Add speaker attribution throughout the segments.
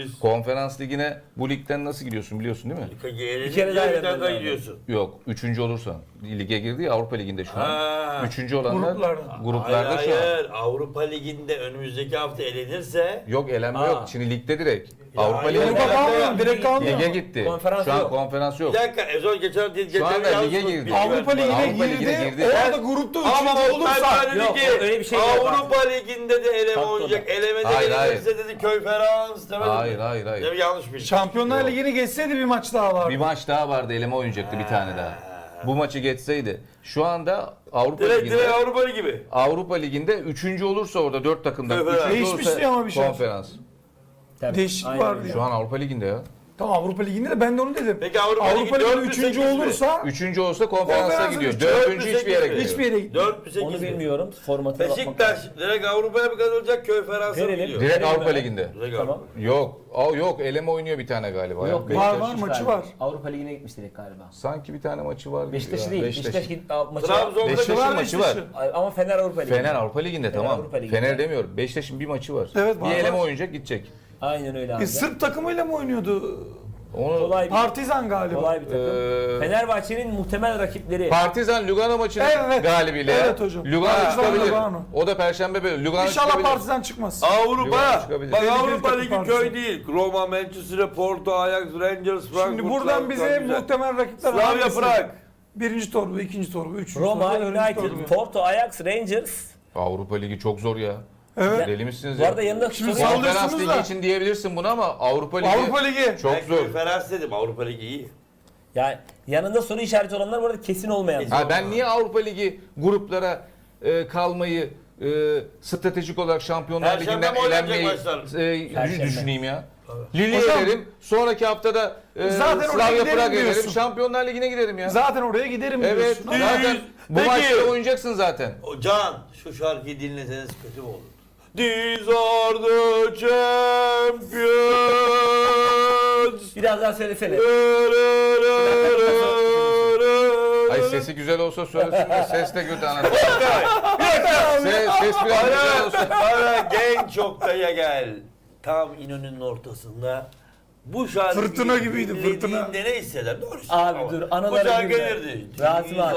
Speaker 1: Konferans ligine bu ligden nasıl gidiyorsun biliyorsun değil mi?
Speaker 2: Bir kere daha gidiyorsun.
Speaker 1: Yok, üçüncü olursan. Lige girdi ya Avrupa Ligi'nde şu an.
Speaker 2: Ha.
Speaker 1: Üçüncü olanlar gruplarda
Speaker 2: Hayır,
Speaker 1: şu an.
Speaker 2: hayır. Avrupa Ligi'nde önümüzdeki hafta elenirse
Speaker 1: Yok elenme
Speaker 3: Aa.
Speaker 1: yok. Şimdi ligde direkt.
Speaker 2: Ya
Speaker 1: Avrupa
Speaker 2: hayır,
Speaker 1: Ligi'nde
Speaker 2: Avrupa
Speaker 4: kalmıyor, direkt kalmıyor.
Speaker 1: lige gitti.
Speaker 3: Konferans
Speaker 1: şu an
Speaker 3: yok.
Speaker 1: konferans yok.
Speaker 2: bir dakika Ezon geçen
Speaker 1: Şu anda
Speaker 2: yalnız
Speaker 1: lige
Speaker 2: bir
Speaker 1: girdi.
Speaker 2: bilgi
Speaker 4: Avrupa
Speaker 2: verdim bana.
Speaker 1: Avrupa
Speaker 4: Ligi'ne
Speaker 1: Ligi'ne
Speaker 4: girdi.
Speaker 1: girdi.
Speaker 4: Orada grupta
Speaker 2: Ama
Speaker 4: üçüncü olursa
Speaker 2: Süper
Speaker 3: Yok,
Speaker 2: Ligi,
Speaker 3: öyle bir şey yok.
Speaker 2: Avrupa Ligi'nde de eleme
Speaker 3: Tabii,
Speaker 2: oynayacak.
Speaker 3: tabii.
Speaker 2: Elemede
Speaker 1: Hayır,
Speaker 2: elenirse dedi Konferans demedi
Speaker 1: Hayır,
Speaker 2: mi?
Speaker 1: hayır, hayır.
Speaker 2: Değil mi? Yanlış bir
Speaker 4: Şampiyonlar Ligi'ni geçseydi bir maç daha vardı.
Speaker 1: Bir maç daha vardı, eleme oynayacaktı bir tane daha. Bu maçı geçseydi. Şu anda Avrupa
Speaker 2: Direkt
Speaker 1: Ligi'nde
Speaker 2: Avrupa Ligi gibi.
Speaker 1: Avrupa Ligi'nde üçüncü olursa orada 4 takımdan
Speaker 2: Evet.
Speaker 1: üçüncü
Speaker 4: Değişmişti
Speaker 1: olursa
Speaker 4: ama bir şey.
Speaker 1: konferans.
Speaker 3: Tabii.
Speaker 4: Değişiklik
Speaker 3: Aynen
Speaker 4: vardı
Speaker 3: öyle.
Speaker 4: ya.
Speaker 1: Şu an Avrupa Ligi'nde ya.
Speaker 4: Tamam Avrupa Ligi'nde de ben de onu dedim.
Speaker 2: Peki Avrupa Ligi
Speaker 4: Avrupa
Speaker 2: 4
Speaker 4: Ligi'nde
Speaker 2: mü,
Speaker 4: üçüncü
Speaker 2: 8 mi?
Speaker 4: olursa
Speaker 1: Üçüncü olsa konferansa
Speaker 4: Konferansa
Speaker 1: gidiyor.
Speaker 4: düşüyor.
Speaker 1: Dördüncü hiçbir yere gidiyor.
Speaker 4: hiçbir yere gitmiyor.
Speaker 2: 4 mü 8
Speaker 3: Onu
Speaker 2: mi?
Speaker 3: bilmiyorum. Formatına bakmak
Speaker 2: Beşiktaş
Speaker 3: lazım.
Speaker 2: direkt Avrupa'ya mı kazanacak Konferans'a mı
Speaker 3: Verelim.
Speaker 2: gidiyor?
Speaker 1: Direkt
Speaker 3: Verelim
Speaker 1: Avrupa
Speaker 3: hemen.
Speaker 1: Ligi'nde.
Speaker 2: Direkt
Speaker 3: Tamam.
Speaker 2: Avrupa.
Speaker 1: Yok. Yok eleme oynuyor bir tane galiba. ya.
Speaker 3: Yok,
Speaker 1: Beşiktaş.
Speaker 4: Var, var. maçı var.
Speaker 3: Avrupa Ligi'ne gitmiş direkt galiba.
Speaker 1: Sanki bir tane maçı var. gibi
Speaker 3: Beşiktaş'ı
Speaker 1: ya.
Speaker 3: değil. Beşiktaş maçı var.
Speaker 2: Trabzon'da
Speaker 1: Beşiktaş'ın
Speaker 4: var,
Speaker 1: maçı var.
Speaker 4: Beşiktaş'ın.
Speaker 3: Ama Fener Avrupa Ligi.
Speaker 1: Fener Avrupa Ligi'nde tamam.
Speaker 3: Avrupa Ligi'nde.
Speaker 1: Fener demiyorum. Beşiktaş'ın bir maçı var.
Speaker 4: Evet, var,
Speaker 1: bir eleme
Speaker 4: var.
Speaker 1: oynayacak gidecek.
Speaker 3: Aynen öyle abi.
Speaker 4: Sırp takımıyla mı oynuyordu?
Speaker 1: Onu
Speaker 3: Kolay bir,
Speaker 4: Partizan galiba.
Speaker 3: kolay bir takım. Fenerbahçe'nin muhtemel rakipleri.
Speaker 1: Partizan Lugano maçının
Speaker 4: Evet.
Speaker 1: galibiyle.
Speaker 4: Evet hocam.
Speaker 1: Lugano
Speaker 4: Partizan
Speaker 1: çıkabilir.
Speaker 4: Lugano.
Speaker 1: O da Perşembe böyle. Lugano
Speaker 4: İnşallah
Speaker 1: çıkabilir.
Speaker 4: Partizan çıkmaz.
Speaker 2: Avrupa.
Speaker 1: Yuvarlak çıkabilir.
Speaker 2: Bak
Speaker 4: Tehlikeli
Speaker 2: Avrupa
Speaker 4: takım
Speaker 2: Ligi
Speaker 4: Partizan.
Speaker 2: köy değil. Roma, Manchester, Porto, Ajax, Rangers, Frankfurt.
Speaker 4: Şimdi buradan bize
Speaker 2: Frankfurt,
Speaker 4: muhtemel rakipler
Speaker 2: Slavia
Speaker 4: hangisi?
Speaker 2: Prag.
Speaker 4: Birinci torba, ikinci torba, üçüncü
Speaker 3: Roma,
Speaker 4: torba, dördüncü
Speaker 3: United,
Speaker 4: torba.
Speaker 3: Porto, Ajax, Rangers.
Speaker 1: Avrupa Ligi çok zor ya.
Speaker 4: Evet.
Speaker 1: Deli misiniz
Speaker 3: Bu
Speaker 1: ya?
Speaker 3: arada yanında
Speaker 4: Şimdi
Speaker 3: soru-
Speaker 4: sallıyorsunuz
Speaker 1: Konferans Ligi
Speaker 4: da.
Speaker 1: için diyebilirsin bunu ama Avrupa Ligi
Speaker 4: Avrupa Ligi.
Speaker 1: çok
Speaker 2: Ben
Speaker 1: zor.
Speaker 2: Konferans dedim. Avrupa Ligi iyi.
Speaker 3: Yani yanında soru işareti olanlar bu arada kesin olmayan.
Speaker 1: Ha, ben niye Avrupa Ligi gruplara kalmayı stratejik olarak Şampiyonlar
Speaker 2: Perşembe
Speaker 1: Ligi'nden
Speaker 2: mi oynanacak
Speaker 1: elenmeyi
Speaker 3: Perşembe.
Speaker 1: düşüneyim ya. Lille'ye
Speaker 4: Hocam,
Speaker 1: elerim. Sonraki haftada
Speaker 4: zaten oraya
Speaker 1: Slavia
Speaker 4: giderim
Speaker 1: Prag elerim.
Speaker 4: diyorsun.
Speaker 1: Şampiyonlar Ligi'ne giderim ya.
Speaker 4: Zaten oraya giderim
Speaker 1: Evet.
Speaker 4: diyorsun.
Speaker 1: Zaten bu
Speaker 2: Peki.
Speaker 1: maçta oynayacaksın zaten.
Speaker 2: Can şu şarkıyı dinleseniz kötü mü olur? These are the champions.
Speaker 3: Biraz daha söylesene.
Speaker 1: Ay sesi güzel olsa söylesin de ses de kötü anasını. Ses biraz güzel olsa.
Speaker 2: Bana genç Oktay'a gel. Tam İnönü'nün ortasında. Bu şarkı
Speaker 4: Fırtına gibiydi, fırtına.
Speaker 2: dinlediğinde ne hisseder? Doğru
Speaker 3: Abi
Speaker 2: ama
Speaker 3: dur,
Speaker 2: Bu
Speaker 3: anılara
Speaker 2: şarkı
Speaker 3: girme.
Speaker 2: gelirdi.
Speaker 3: Rasim abi.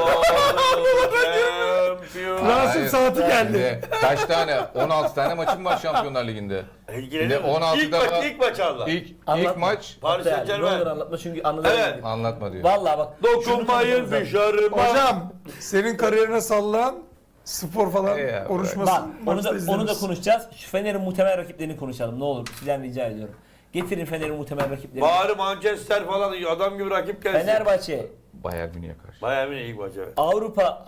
Speaker 4: Rasim
Speaker 1: Hayır.
Speaker 4: saati geldi.
Speaker 1: Şimdi kaç tane? 16 tane maçım var Şampiyonlar Ligi'nde.
Speaker 2: İlgilenir.
Speaker 1: 16'da
Speaker 2: İlk maç, ilk maç Allah.
Speaker 1: İlk
Speaker 3: Anlatma.
Speaker 1: maç
Speaker 2: Paris
Speaker 3: Yani, ne olur
Speaker 2: Saint-Germain.
Speaker 3: anlatma çünkü anılara
Speaker 2: Evet.
Speaker 3: girdik.
Speaker 1: anlatma diyor.
Speaker 3: Vallahi bak.
Speaker 2: Dokunmayın
Speaker 3: şunu
Speaker 2: dışarıma.
Speaker 4: Hocam senin kariyerine sallan spor falan
Speaker 1: Ya,
Speaker 4: konuşmasın.
Speaker 3: Bak onu
Speaker 4: maçta
Speaker 3: da
Speaker 4: izleriz.
Speaker 3: konuşacağız. Şu Fener'in muhtemel rakiplerini konuşalım ne olur. Sizden rica ediyorum. Getirin Fener'in muhtemel rakiplerini.
Speaker 2: Bari Manchester falan adam gibi rakip gelsin.
Speaker 3: Fenerbahçe,
Speaker 1: Bayern Münih'e karşı.
Speaker 2: Bayern Münih ilk maçı. Evet.
Speaker 3: Avrupa.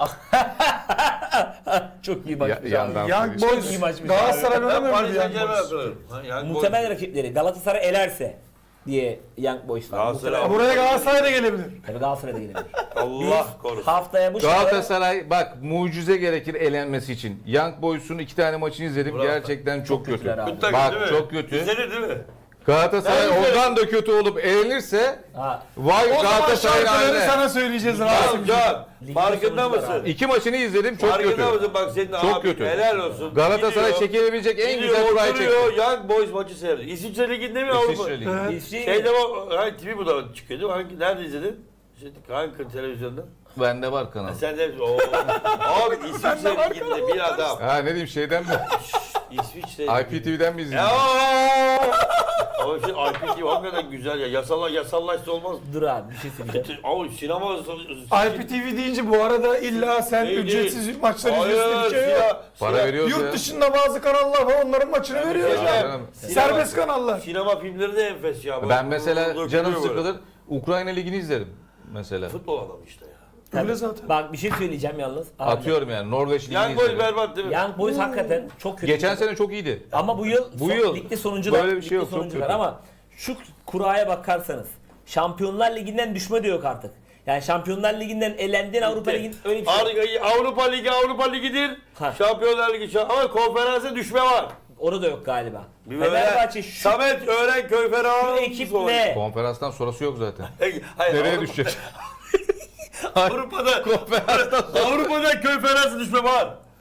Speaker 3: Çok iyi maçmış abi.
Speaker 1: yandan
Speaker 4: Young
Speaker 1: söyleyeyim.
Speaker 3: Çok iyi
Speaker 4: Boys
Speaker 3: maçmış
Speaker 4: Galatasaray
Speaker 2: Ben
Speaker 4: oynamıyor
Speaker 2: Paris
Speaker 4: muydu Young
Speaker 2: Saint-Germain
Speaker 4: Boys?
Speaker 2: hatırlarım. Ha, Young
Speaker 3: Muhtemel
Speaker 2: Boys.
Speaker 3: rakipleri Galatasaray elerse diye Young Boys var.
Speaker 2: Galatasaray-
Speaker 3: Muhtemel-
Speaker 4: Buraya Galatasaray da gelebilir.
Speaker 3: Tabii Galatasaray'da gelebilir.
Speaker 2: Allah korusun.
Speaker 3: Haftaya bu
Speaker 1: Galatasaray bak mucize gerekir elenmesi için. Young Boys'un 2 tane maçını izledim.
Speaker 2: Bravo.
Speaker 1: Gerçekten çok kötü.
Speaker 3: kötüler abi.
Speaker 2: Kötü takım
Speaker 1: Bak
Speaker 2: değil mi?
Speaker 1: çok kötü.
Speaker 2: İzlenir değil mi?
Speaker 1: Galatasaray
Speaker 2: Ben izlerim.
Speaker 1: ondan da kötü olup elenirse
Speaker 3: Ha,
Speaker 1: vay
Speaker 4: O zaman
Speaker 1: Galatasaray'ın
Speaker 4: şarkıları
Speaker 1: haline.
Speaker 4: sana söyleyeceğiz
Speaker 2: Tamam
Speaker 4: Rasim.
Speaker 2: Can.
Speaker 3: Ligde
Speaker 2: Farkında
Speaker 3: sonuçlar
Speaker 2: mısın?
Speaker 3: abi.
Speaker 1: 2 maçını izledim çok kötü.
Speaker 2: Farkında mısın? Bak senin
Speaker 1: Çok
Speaker 2: abi
Speaker 1: kötü.
Speaker 2: helal olsun.
Speaker 1: Galatasaray
Speaker 2: Gidiyor,
Speaker 1: çekilebilecek en
Speaker 2: gidiyor,
Speaker 1: güzel kurayı
Speaker 2: oturuyor,
Speaker 1: çekti.
Speaker 2: Young Boys maçı seyrediyor. İsviçre Ligi'nde mi Avrupa?
Speaker 1: İsviçre Ligi.
Speaker 4: Evet.
Speaker 3: bir şey-
Speaker 2: Şeyde hangi TV bu da çıkıyordu? Nerede izledin? İşte hangi televizyonda?
Speaker 1: Bende var kanal.
Speaker 2: Sen de abi İsviçre Ligi'nde bir adam.
Speaker 1: Ha ne diyeyim şeyden mi?
Speaker 2: İsviçre
Speaker 1: IPTV'den mi
Speaker 2: Ya.
Speaker 1: izledin?
Speaker 2: Ama şey IPTV hakikaten güzel ya. Yasallaşsa olmaz.
Speaker 3: dur abi bir şey söyleyeceğim.
Speaker 2: Ama sinema...
Speaker 4: IPTV deyince bu arada illa sen
Speaker 2: Değil,
Speaker 4: ücretsiz
Speaker 2: değil.
Speaker 4: maçları
Speaker 2: Hayır,
Speaker 4: izliyorsun bir şey yok.
Speaker 1: Para veriyoruz ya.
Speaker 4: Yurt dışında bazı kanallar var onların maçını veriyor
Speaker 2: Sinema-
Speaker 4: hocam. Serbest kanallar.
Speaker 2: Sinema filmleri de enfes ya.
Speaker 1: Ben mesela
Speaker 2: Dökülüyor
Speaker 1: canım
Speaker 2: böyle.
Speaker 1: sıkılır. Ukrayna Ligi'ni izlerim mesela.
Speaker 2: Futbol adamı işte ya.
Speaker 4: Öyle zaten.
Speaker 3: Bak bir şey söyleyeceğim yalnız. Abi,
Speaker 1: Atıyorum yani Norveç Ligi'ni
Speaker 2: Young Boys
Speaker 1: izlerim.
Speaker 2: berbat değil mi?
Speaker 3: Young Boys hakikaten çok kötü.
Speaker 1: Geçen sene çok iyiydi.
Speaker 3: Ama bu yıl ligde sonuncular.
Speaker 1: böyle bir şey
Speaker 3: ligde
Speaker 1: yok, çok
Speaker 3: sonuncular.
Speaker 1: kötü.
Speaker 3: Ama şu kuraya bakarsanız Şampiyonlar Ligi'nden düşme de yok artık. Yani Şampiyonlar Ligi'nden elendin Avrupa Ligi'nin öyle bir şey yok.
Speaker 2: Avrupa Ligi'dir.
Speaker 3: Ha.
Speaker 2: Şampiyonlar Ligi ama konferansa düşme var.
Speaker 3: Orada yok galiba.
Speaker 2: Bir böyle
Speaker 3: Fenerbahçe şu
Speaker 2: Samet Öğren Ferah'ın
Speaker 3: ekiple
Speaker 1: Konferanstan sonrası yok zaten.
Speaker 2: Hayır,
Speaker 1: Nereye düşecek?
Speaker 2: Avrupa'da Avrupa'da konferansa düşme var.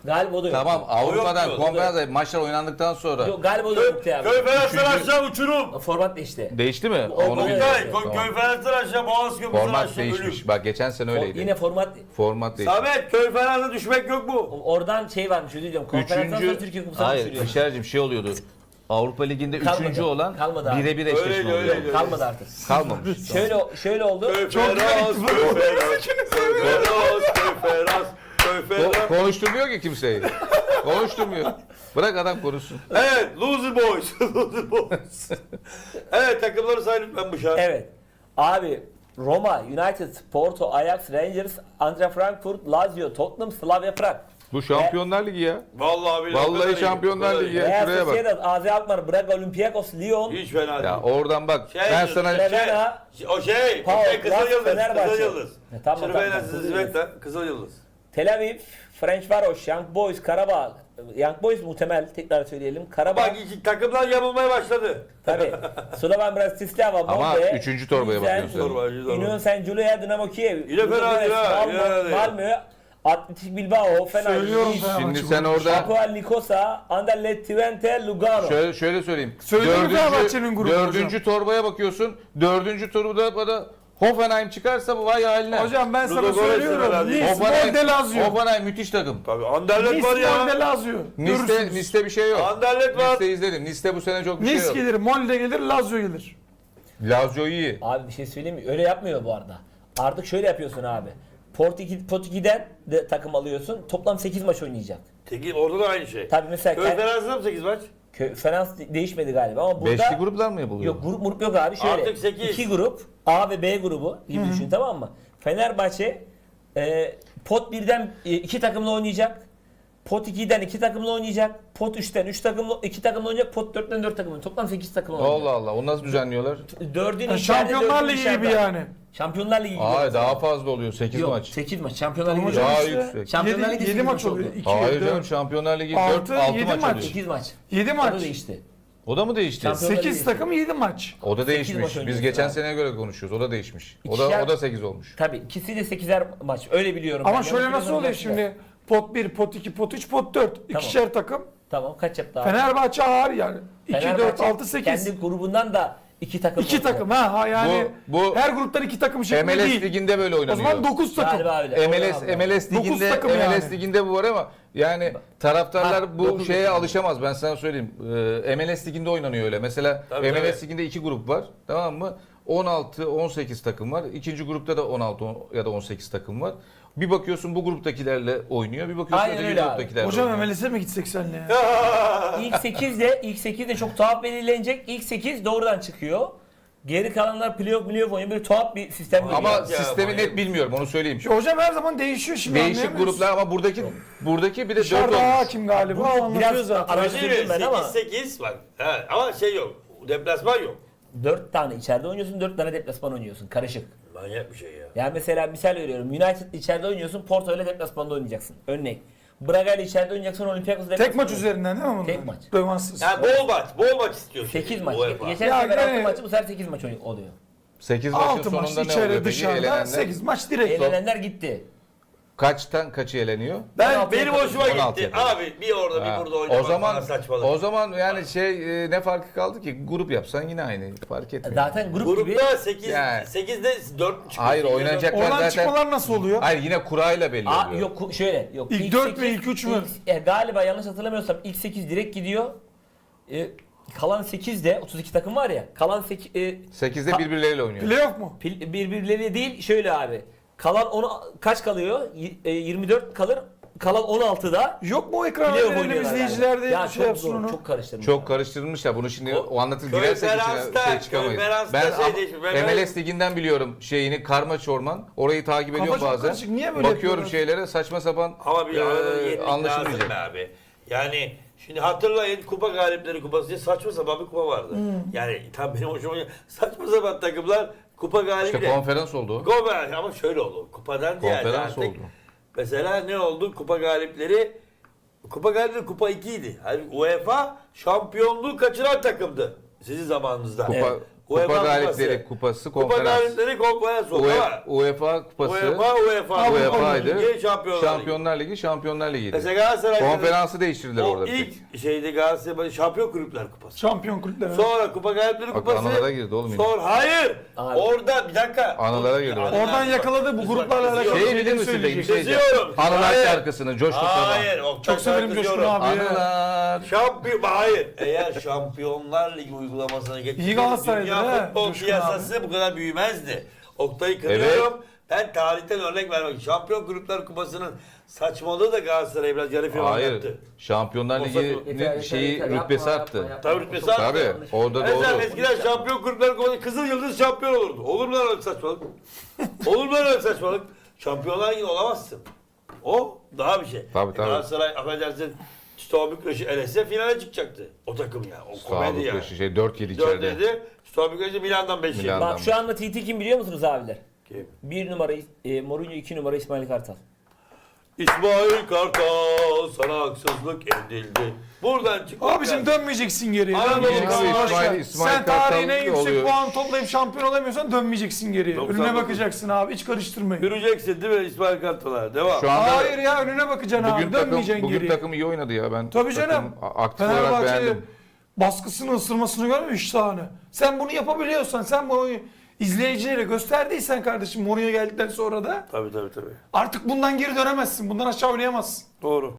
Speaker 3: Galiba o da yok.
Speaker 1: Tamam Avrupa'dan
Speaker 2: yok,
Speaker 1: konferans maçlar oynandıktan sonra
Speaker 3: Yok galiba o da yoktu abi.
Speaker 2: Köy Feners'ten
Speaker 1: Üçüncü-
Speaker 2: aşağı uçurum.
Speaker 3: Format değişti.
Speaker 1: değişti mi?
Speaker 3: O-
Speaker 1: Onu
Speaker 3: o-
Speaker 1: bilmiyorum.
Speaker 2: Köy
Speaker 1: Tamam.
Speaker 2: Feners'ten aşağı Boğaz Köprüsü'nden
Speaker 1: Format
Speaker 2: aşağı
Speaker 1: değişmiş.
Speaker 2: ölüm.
Speaker 1: Bak geçen sene öyleydi.
Speaker 3: Yine format
Speaker 1: Format değişmiş.
Speaker 2: Samet Köy Feners'e düşmek yok mu?
Speaker 3: oradan şey varmış özür diliyorum. Konferanstan sonra Türkiye Kupası'na
Speaker 1: Hayır
Speaker 3: düşürüyor.
Speaker 1: Bişar'cığım şey oluyordu. Avrupa Ligi'nde
Speaker 3: Kalmadı.
Speaker 1: üçüncü olan
Speaker 3: Kalmadı abi.
Speaker 1: birebir eşleşme
Speaker 2: Öyleydi,
Speaker 1: oluyor.
Speaker 2: öyleydi.
Speaker 3: Kalmadı artık.
Speaker 1: Kalmamış.
Speaker 3: Şöyle oldu.
Speaker 2: Köy Fenerbahçe, Köy Fenerbahçe, Köy Fenerbahçe, Köy Fenerbahçe, Köy Fenerbahçe.
Speaker 1: Konuşturmuyor ki kimseyi. Konuşturmuyor. Bırak adam konuşsun.
Speaker 2: Evet, Loser Boys. Loser Boys. Evet, takımları say lütfen bu şart.
Speaker 3: Evet. Abi Roma, United, Porto, Ajax, Rangers, Eintracht Frankfurt, Lazio, Tottenham, Slavia Prag.
Speaker 1: Bu Şampiyonlar Ligi ya.
Speaker 2: Vallahi billahi.
Speaker 1: Vallahi
Speaker 2: o kadar iyi,
Speaker 1: Şampiyonlar
Speaker 2: o kadar
Speaker 1: Ligi
Speaker 2: iyi.
Speaker 1: ya.
Speaker 3: Real
Speaker 1: şuraya bak.
Speaker 3: Sociedad, AZ Alkmaar, Braga, Olympiakos, Lyon,
Speaker 2: Hiç fena değil.
Speaker 1: Ya oradan bak.
Speaker 2: Şey,
Speaker 1: Ben sana
Speaker 3: Fena,
Speaker 2: O şey,
Speaker 3: Pau,
Speaker 2: Kızıl
Speaker 3: Laz,
Speaker 2: Yıldız,
Speaker 3: Fenerbahçe.
Speaker 2: Kızıl Yıldız.
Speaker 3: Tamam,
Speaker 2: Çırpayla
Speaker 3: tamam, Kızıl
Speaker 2: Zvezda, Kızıl Yıldız.
Speaker 3: Tel Aviv, Ferencvaros, Young Boys, Karabağ. Young Boys muhtemel tekrar söyleyelim. Karabağ.
Speaker 2: Bak iki takımlar yapılmaya başladı.
Speaker 3: Tabii. Slovan Bratislava,
Speaker 1: Ama
Speaker 3: Molde,
Speaker 1: üçüncü torbaya
Speaker 3: Pilsen,
Speaker 1: bakıyorsun.
Speaker 2: Torba.
Speaker 3: Union Saint Giulia, Dinamo Kiev.
Speaker 2: Yine fena değil ha,
Speaker 3: Malmö,
Speaker 2: yine değil.
Speaker 3: Malmö, Atletik Bilbao, Fener,
Speaker 4: Söylüyorum
Speaker 3: Nice,
Speaker 4: Fenerbahçe.
Speaker 1: Şimdi sen orada
Speaker 3: Apoel Nikosa, Anderlecht Twente, Lugano.
Speaker 1: şöyle söyleyeyim.
Speaker 4: Söyleyeyim Fenerbahçe'nin grubu
Speaker 1: Dördüncü torbaya bakıyorsun. Dördüncü turda da Hoffenheim çıkarsa bu vay haline.
Speaker 4: Hocam ben sana
Speaker 2: Ludogorets
Speaker 4: söylüyorum.
Speaker 2: herhalde.
Speaker 4: Nice, Molde, Lazio.
Speaker 1: Hoffenheim müthiş takım.
Speaker 2: Tabii Anderlecht var
Speaker 4: Nice, Molde,
Speaker 2: ya.
Speaker 4: Lazio. Görürsünüz.
Speaker 1: Nice'te bir şey yok.
Speaker 2: Anderlecht var.
Speaker 1: Nice'te izledim. Nice'te bu sene çok bir şey
Speaker 4: Nice
Speaker 1: yok.
Speaker 4: gelir, Molde gelir, Lazio gelir.
Speaker 1: Lazio iyi.
Speaker 3: Abi bir şey söyleyeyim mi? Öyle yapmıyor bu arada. Artık şöyle yapıyorsun abi. Pot 2'den de takım alıyorsun. Toplam 8 maç oynayacak.
Speaker 2: Orada da aynı şey.
Speaker 3: Tabii mesela
Speaker 2: Köy Fenerbahçe'de mi 8 maç?
Speaker 3: Fena değişmedi galiba ama burada
Speaker 1: Beşli gruplar mı yapılıyor?
Speaker 3: yok grup yok abi şöyle.
Speaker 2: Artık 8.
Speaker 3: 2 grup A ve B grubu gibi düşün tamam mı? Fenerbahçe pot 1'den 2 takımla oynayacak. Pot 2'den 2 takımla oynayacak. Pot 3'ten 3 takımla 2 takımla oynayacak. Pot 4'ten 4 takımla. Toplam 8 takımla oynayacak.
Speaker 1: Allah Allah. Onu nasıl düzenliyorlar?
Speaker 3: 4'ün içeride,
Speaker 4: Şampiyonlar
Speaker 3: 4'ün
Speaker 4: Ligi
Speaker 3: dışarıda.
Speaker 4: gibi yani.
Speaker 3: Şampiyonlar Ligi gibi.
Speaker 1: Ay daha fazla oluyor. 8
Speaker 3: Yok,
Speaker 1: maç.
Speaker 3: 8 maç. Şampiyonlar Ligi.
Speaker 4: Hocam
Speaker 1: Daha
Speaker 4: işte
Speaker 1: yüksek.
Speaker 3: Şampiyonlar Ligi
Speaker 4: 7
Speaker 3: 8
Speaker 4: maç
Speaker 3: maç
Speaker 4: oluyor.
Speaker 3: oldu.
Speaker 4: 2,
Speaker 1: Hayır
Speaker 4: 4,
Speaker 1: canım Şampiyonlar Ligi
Speaker 4: 6,
Speaker 1: 4 6
Speaker 4: 7
Speaker 1: maç
Speaker 4: maç.
Speaker 1: oluyor.
Speaker 3: 8 maç.
Speaker 4: 7
Speaker 3: O da
Speaker 4: maç.
Speaker 3: değişti.
Speaker 1: O da mı değişti?
Speaker 3: Şampiyon-
Speaker 4: 8 takım 7 maç.
Speaker 1: O da
Speaker 3: maç
Speaker 1: değişmiş.
Speaker 3: oynuyorsun
Speaker 1: Biz geçen
Speaker 3: abi.
Speaker 1: seneye göre konuşuyoruz. O da değişmiş.
Speaker 3: İkişer-
Speaker 1: O da 8 olmuş.
Speaker 3: Tabii ikisi de 8'er maç. Öyle biliyorum.
Speaker 4: Ama
Speaker 3: ben.
Speaker 4: şöyle
Speaker 3: Yanlış
Speaker 4: nasıl oluyor
Speaker 3: biliyorsam
Speaker 4: şimdi? Pot 1, pot 2, pot 3, pot 4. İkişer takım.
Speaker 3: Tamam kaç yaptı abi?
Speaker 4: Fenerbahçe ağır yani. 2, 4, 6, 8.
Speaker 3: Kendi grubundan da 2 takım
Speaker 4: 2
Speaker 3: olacak.
Speaker 4: takım ha yani
Speaker 1: Bu-
Speaker 4: her gruptan 2 takım şeklinde
Speaker 1: MLS
Speaker 4: değil.
Speaker 1: liginde böyle
Speaker 4: O
Speaker 1: oynanıyor.
Speaker 4: zaman 9 takım.
Speaker 3: Galiba öyle.
Speaker 1: MLS
Speaker 3: Doğru abi.
Speaker 1: MLS
Speaker 4: Dokuz
Speaker 1: liginde
Speaker 4: takım
Speaker 1: MLS
Speaker 4: yani.
Speaker 1: liginde bu var ama yani taraftarlar
Speaker 3: Ha,
Speaker 1: bu
Speaker 3: dokuz
Speaker 1: şeye
Speaker 3: takım.
Speaker 1: alışamaz. Ben sana söyleyeyim. MLS liginde oynanıyor öyle. Mesela
Speaker 2: Tabii,
Speaker 1: MLS
Speaker 2: tabii.
Speaker 1: liginde 2 grup var. Tamam mı? 16 18 takım var. İkinci grupta da 16 ya da 18 takım var. Bir bakıyorsun bu gruptakilerle oynuyor. Bir bakıyorsun
Speaker 3: Aynen
Speaker 1: öteki
Speaker 3: öyle abi.
Speaker 1: gruptakilerle
Speaker 4: Hocam
Speaker 1: oynuyor.
Speaker 4: MLS'e mi gitsek senle ya?
Speaker 3: İlk 8 de çok tuhaf belirlenecek. İlk 8 doğrudan çıkıyor. Geri kalanlar playoff oynuyor. Böyle tuhaf bir sistem
Speaker 1: Ama
Speaker 3: geliyor.
Speaker 2: Ya,
Speaker 1: sistemi
Speaker 2: manyak.
Speaker 1: net bilmiyorum onu söyleyeyim.
Speaker 4: Hocam her zaman değişiyor şimdi.
Speaker 1: Değişik
Speaker 4: anlayamıyoruz.
Speaker 1: gruplar ama buradaki bir de 4
Speaker 4: Dışarıda
Speaker 1: olmuş.
Speaker 4: hakim galiba
Speaker 3: Bu
Speaker 4: anlatıyor
Speaker 3: biraz
Speaker 4: zaten.
Speaker 3: araştırdım ben ama
Speaker 2: 8 bak. Ha, ama şey yok. Deplasman yok.
Speaker 3: 4 tane içeride oynuyorsun, 4 tane deplasman oynuyorsun. Karışık.
Speaker 2: Manyak bir şey ya.
Speaker 3: Yani mesela misal veriyorum. United içeride oynuyorsun, Porto ile deplasmanda oynayacaksın. Örnek. Braga ile içeride oynayacaksın, Olympiakos deplasmanda.
Speaker 4: Tek maç üzerinden değil mi bunlar?
Speaker 3: Tek maç.
Speaker 4: Dövansız.
Speaker 2: Yani bol maç istiyorsun.
Speaker 3: 8 maç.
Speaker 2: UEFA.
Speaker 3: Geçen
Speaker 4: Ya
Speaker 3: sefer 6
Speaker 4: gene-
Speaker 3: maçı bu sefer 8 maç oluyor.
Speaker 1: 8 maçın
Speaker 4: 6 maç
Speaker 1: sonunda ne
Speaker 4: içeri
Speaker 1: oluyor peki?
Speaker 4: dışarıda
Speaker 1: Elenenler
Speaker 4: 8 maç direkt.
Speaker 3: Elenenler gitti.
Speaker 1: kaçtan kaçı eleniyor?
Speaker 2: Ben
Speaker 3: 16
Speaker 2: benim hoşuma
Speaker 1: 16
Speaker 2: gitti.
Speaker 1: yapıyor.
Speaker 2: Abi bir orada
Speaker 1: Ha,
Speaker 2: bir burada oynamak
Speaker 1: o zaman
Speaker 2: saçmalık.
Speaker 1: o zaman yani ne farkı kaldı ki? Grup yapsan yine aynı. Fark etmiyor.
Speaker 3: Zaten grup gibi
Speaker 2: Grupta 8
Speaker 1: Yani.
Speaker 2: 8'de 4 çıkıyor.
Speaker 1: Hayır, oynayacak-
Speaker 4: Oradan
Speaker 1: zaten-
Speaker 4: çıkmalar nasıl oluyor?
Speaker 1: Hayır yine kurayla belli oluyor.
Speaker 3: yok şöyle yok.
Speaker 4: İlk 4 mü, ilk 3 mü?
Speaker 3: Galiba yanlış hatırlamıyorsam ilk 8 direkt gidiyor. Kalan 8'de 32 takım var ya. Kalan 8
Speaker 1: 8'de birbirleriyle oynuyor.
Speaker 4: Playoff mu?
Speaker 3: birbirleri değil şöyle abi. Kalan 10 kaç kalıyor? 24 kalır. Kalan 16'da
Speaker 4: Yok mu o ekran
Speaker 3: playoff
Speaker 4: verelim
Speaker 3: oynuyorlar.
Speaker 4: izleyiciler de
Speaker 3: Ya
Speaker 4: şey
Speaker 3: çok
Speaker 4: yapsın
Speaker 3: zor,
Speaker 4: onu.
Speaker 3: çok karıştırmış.
Speaker 1: Çok karıştırılmışlar. Bunu şimdi o anlatır
Speaker 2: Köy
Speaker 1: girersek
Speaker 2: Ferhans'ta,
Speaker 1: içine çıkamayız.
Speaker 2: Köy Ferhans'ta
Speaker 1: Ben
Speaker 2: şey değişmiş.
Speaker 1: MLS liginden biliyorum şeyini Karma Çorman. Orayı takip
Speaker 4: Kafa
Speaker 1: ediyorum
Speaker 4: çok
Speaker 1: bazen.
Speaker 4: karışık. Niye böyle
Speaker 1: Bakıyorum
Speaker 4: yapıyorlar?
Speaker 1: şeylere saçma sapan
Speaker 2: Ama bir arada yetmek lazım
Speaker 1: anlaşılmayacak.
Speaker 2: be abi. Yani şimdi hatırlayın Kupa Galipleri Kupası diye saçma sapan bir kupa vardı. Yani tam benim hoşuma gidiyor. Saçma sapan takımlar kupa galibi
Speaker 1: İşte
Speaker 2: de.
Speaker 1: konferans oldu.
Speaker 2: Konferans ama şöyle oldu. Kupadan ziyade
Speaker 1: Konferans
Speaker 2: artık.
Speaker 1: oldu.
Speaker 2: Mesela ne oldu? Kupa galipleri Kupa 2 idi. Yani UEFA şampiyonluğu kaçıran takımdı sizin zamanınızda.
Speaker 1: Kupa,
Speaker 3: Evet.
Speaker 1: Kupa
Speaker 2: UEFA
Speaker 1: Galipleri Kupası,
Speaker 2: Kupa
Speaker 1: konferans.
Speaker 2: galipleri konferans oldu ama
Speaker 1: UEFA Kupası,
Speaker 2: UEFA
Speaker 1: UEFA'ydı.
Speaker 2: Ligi,
Speaker 1: Şampiyonlar Ligi'ydi.
Speaker 2: Mesela Galatasaray'da
Speaker 1: Konferansı değiştirdiler
Speaker 2: o
Speaker 1: orada bir tek.
Speaker 2: ilk şeydi Galatasaray Şampiyon Kulüpler Kupası.
Speaker 4: Şampiyon kulüpleri.
Speaker 2: Sonra Kupa Galipleri
Speaker 1: Bak,
Speaker 2: Kupası.
Speaker 1: anılara girdi oğlum yine.
Speaker 2: Sonra hayır.
Speaker 3: Abi.
Speaker 2: Orada bir dakika.
Speaker 1: Anılara girdi.
Speaker 4: Oradan yakaladı bu gruplarla alakalı.
Speaker 1: Şey bilir misin peki? Bir şey diyeceğim.
Speaker 2: Kızıyorum.
Speaker 1: Anılar
Speaker 2: Hayır.
Speaker 1: şarkısını Coşkun Sabah.
Speaker 2: Hayır.
Speaker 4: Çok severim Coşkun abi.
Speaker 1: Anılar.
Speaker 2: Hayır. Eğer Şampiyonlar Ligi uygulamasına
Speaker 4: İyi
Speaker 2: geçseydi
Speaker 4: Galatasaray'dı
Speaker 2: dünya
Speaker 4: he,
Speaker 2: futbol
Speaker 4: Coşkun
Speaker 2: piyasası bu kadar büyümezdi. Oktay'ı kırıyorum. Ben tarihten örnek vermek. Şampiyon Kulüpler Kupası'nın saçmalığı da Galatasaray'a biraz yarı final
Speaker 1: Hayır.
Speaker 2: yaptı.
Speaker 1: Şampiyonlar
Speaker 2: Yeter,
Speaker 1: Ligi'nin şeyi rütbesi arttı.
Speaker 2: Tabii rütbesi arttı.
Speaker 1: Tabii. Orada
Speaker 2: Mesela
Speaker 1: doğru.
Speaker 2: eskiden Şampiyon Kulüpler Kupası Kızıl Yıldız şampiyon olurdu. Olur mu lan öyle saçmalık? Olur mu lan öyle saçmalık? Şampiyonlar Ligi olamazsın. O daha bir şey.
Speaker 1: Tabii, tabii.
Speaker 2: Galatasaray affedersin Steaua Bükreş'i elese finale çıkacaktı. O takım ya. O komedi
Speaker 1: Sağlıklı
Speaker 2: yani.
Speaker 1: 4-7 içeride.
Speaker 2: 4'dedi. Steaua Bükreş'i Milan'dan 5
Speaker 1: Milan.
Speaker 2: yedi.
Speaker 3: Bak şu anda TT kim biliyor musunuz abiler?
Speaker 2: Kim?
Speaker 3: 1 numara Mourinho, 2 numara İsmail Kartal.
Speaker 2: İsmail Kartal sana haksızlık edildi. Buradan çık.
Speaker 4: Abicim dönmeyeceksin geriye.
Speaker 2: Anadolu
Speaker 4: Dönmeyeceksin.
Speaker 2: Kartal,
Speaker 4: Başka.
Speaker 1: İsmail
Speaker 4: Sen
Speaker 1: Kartal
Speaker 4: tarihin en yüksek
Speaker 1: oluyor.
Speaker 4: puan toplayıp şampiyon olamıyorsan dönmeyeceksin geriye.
Speaker 2: 99.
Speaker 4: Önüne bakacaksın abi. Hiç karıştırmayın.
Speaker 2: Yürüyeceksin değil mi İsmail Kartal'a? Devam.
Speaker 1: Şu anda
Speaker 4: Hayır ya önüne bakacaksın
Speaker 1: bugün
Speaker 4: abi. Dönmeyeceksin
Speaker 1: bugün
Speaker 4: geriye.
Speaker 1: takım iyi oynadı ya. Ben
Speaker 4: Tabii
Speaker 1: takım
Speaker 4: canım.
Speaker 1: aktif olarak
Speaker 4: Fenerbahçe
Speaker 1: beğendim.
Speaker 4: baskısını ısırmasını görmüş şahane. Sen bunu yapabiliyorsan, sen bunu izleyicilere gösterdiysen kardeşim Mourinho geldikten sonra da
Speaker 2: Tabii.
Speaker 4: artık bundan geri dönemezsin. Bundan aşağı oynayamazsın.
Speaker 2: Doğru.